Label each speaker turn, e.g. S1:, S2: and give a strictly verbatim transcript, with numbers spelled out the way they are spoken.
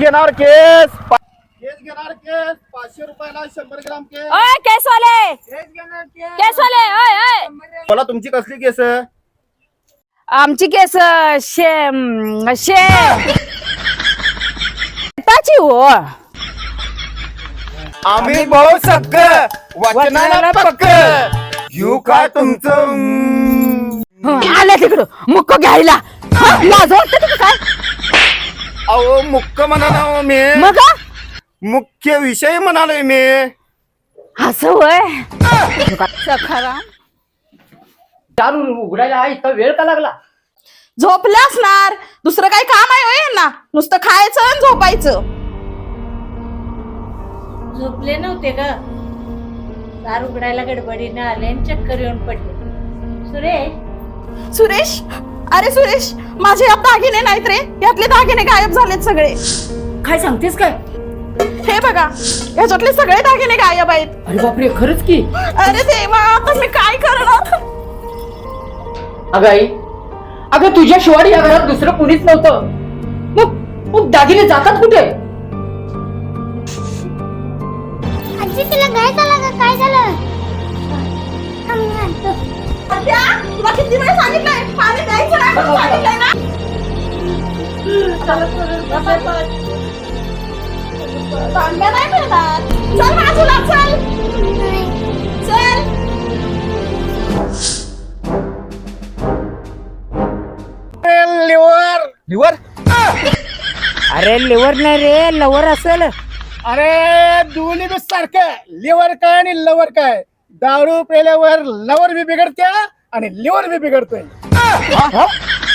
S1: घेणार केस केस घेणार केस पाचशे रुपयाला शंभर ग्राम केस.
S2: ओय केसवाले केसवाले ओय ओय
S1: मला तुमची कसली केस?
S2: आमची केस शे शे ताची हो.
S1: आम्ही भाऊ सक्क वचनाला पक्क येऊ काय तुमचं
S2: आले तिकडं मुक्क घ्यायला. हा, लाज वाटते तुला काय?
S1: अहो मुख्य म्हणालो मी
S2: मग
S1: मुख्य विषय म्हणालोय मी.
S2: असं होय सखाराम
S3: दारू उघडायला इतका वेळ का लागला?
S4: झोपले असणार, दुसरं काही काम आहे होय यांना? नुसतं खायचं आणि झोपायचं.
S5: झोपले नव्हते ग, दार उघडायला गडबडीने आले आणि चक्कर येऊन पडले. सुरेश
S4: सुरेश, अरे सुरेश, माझे यात दागिने नाहीत रे. यातले दागिने गायब झालेत सगळे.
S3: काय सांगतेस काय?
S4: हे बघा, याच्यातले सगळे दागिने गायब आहेत.
S3: अरे बापरे, खरंच की?
S4: अरे देवा, आता मी काय करणार?
S3: अगं आई, अगं तुझ्या शिवाय या घरात दुसरं कुणीच नव्हतं. मग मग दागिने जातात कुठे?
S6: आजी तुला काय झालं? काय झालं?
S4: सध्या, तुला किती वेळ सांगितलंय पाणी द्यायचं नाही म्हणून सांगितलंय ना? तांब्या नाही मिळणार. चल बाजूला, चल चल.
S1: लिव्हर लिव्हर
S2: अरे लिव्हर नाही रे लवर असेल.
S1: अरे दोन्ही बी सारखं. लिव्हर काय आणि लवर काय? दारू पेल्यावर लवर बी बिघडत्या आणि लिव्हर बी बिघडतोय.